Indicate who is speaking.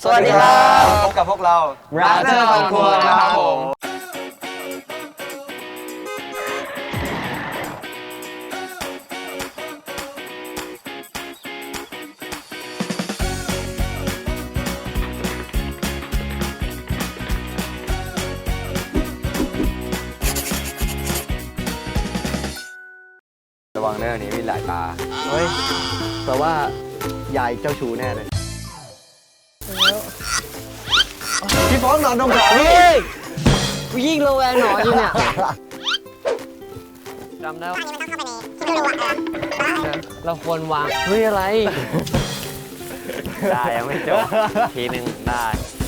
Speaker 1: สวัสดีครับ
Speaker 2: พบกับพวกเรา
Speaker 1: Brother on Tour นะครับผม
Speaker 2: ระวังเรื่องนี้มีหลายตา
Speaker 1: เฮ้ยแต่ว่ายายเจ้าชู้แน่เลยพี่ฟ้องนอนตรงขาพี่
Speaker 3: กูยิ่งระแวงหนอนอยู่เนี่ยจำได้ว่าเราควรวางเฮ้ยอะไร
Speaker 2: ได้ยังไม่จบ ทีหนึ่งได้